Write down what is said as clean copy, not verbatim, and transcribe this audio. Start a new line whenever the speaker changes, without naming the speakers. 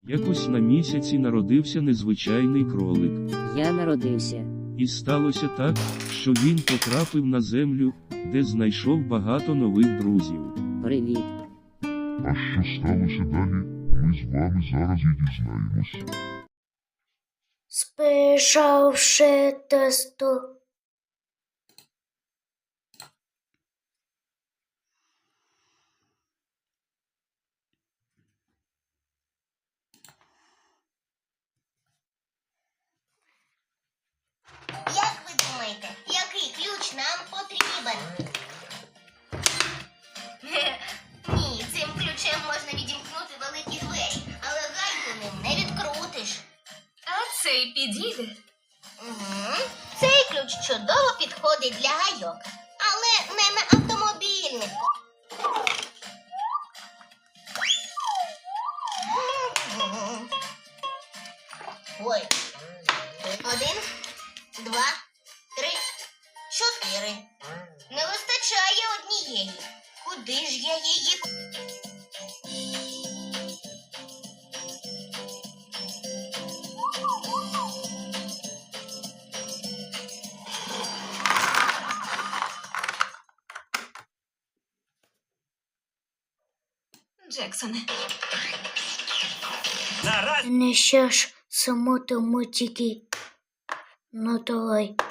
Якось на місяці народився незвичайний кролик.
Я народився.
І сталося так, що він потрапив на землю, де знайшов багато нових друзів.
Привіт.
А що сталося далі, ми з вами зараз і дізнаємось.
Спішавши тесто.
Як ви думаєте, який ключ нам потрібен? Ні, цим ключем можна відімкнути великі двері, але гайку ним не відкрутиш.
А цей підійде.
Угу. Цей ключ чудово підходить для гайок, але не на автомобільних. Ой. 1, 2, 3, 4. Не вистачає однієї. Куди ж я її?
Джексоне.
Не ще ж самотому тільки. Ну давай.